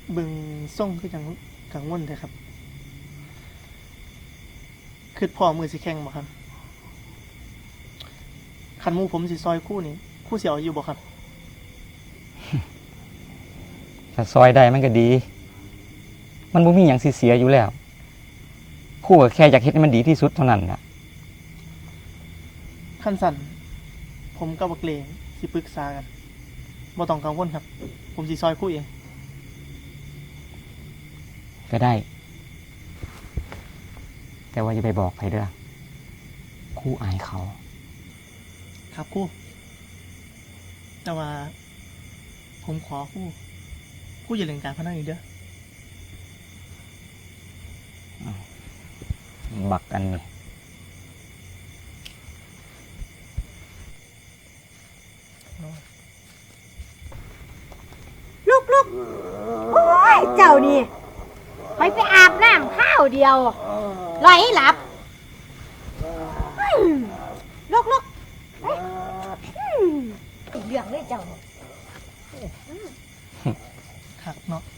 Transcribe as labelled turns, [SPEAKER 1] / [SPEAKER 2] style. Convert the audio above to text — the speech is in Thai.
[SPEAKER 1] เบิ่งส่งคือจังกังวลเด้อครับคือพ่อมือสิแข่งบ่ครับคันหมู่ผมสิซอยคู่นี่คู่สิเอาอยู่บ่ครับ
[SPEAKER 2] ถ้าซอยได้มันก็ดี มันบ่มีหยังสิเสียอยู่แล้วครู่ก็แค่อยากเฮ็ดให้มันดีที่สุดเท่านั้นน่ะ
[SPEAKER 1] คันสั่นผมกับบักเลงสิปรึกษากันบ่ต้องกังวลครับผมสิซอยคู่เอง
[SPEAKER 2] ก็ได้ แต่ว่าอย่าไปบอกใครเด้อครู่อายเขา
[SPEAKER 1] ครับคู่แต่ว่าผมขอคู่อย่าเล่นการพนันอีกเด้อ
[SPEAKER 2] บักอันนี้
[SPEAKER 3] ลูกโอ้ยเจ้านี่ไปอาบน้ำข้าวเดียวลอยให้หลับลูกอีกเรื่องเลยเจ้า
[SPEAKER 1] คักเนาะ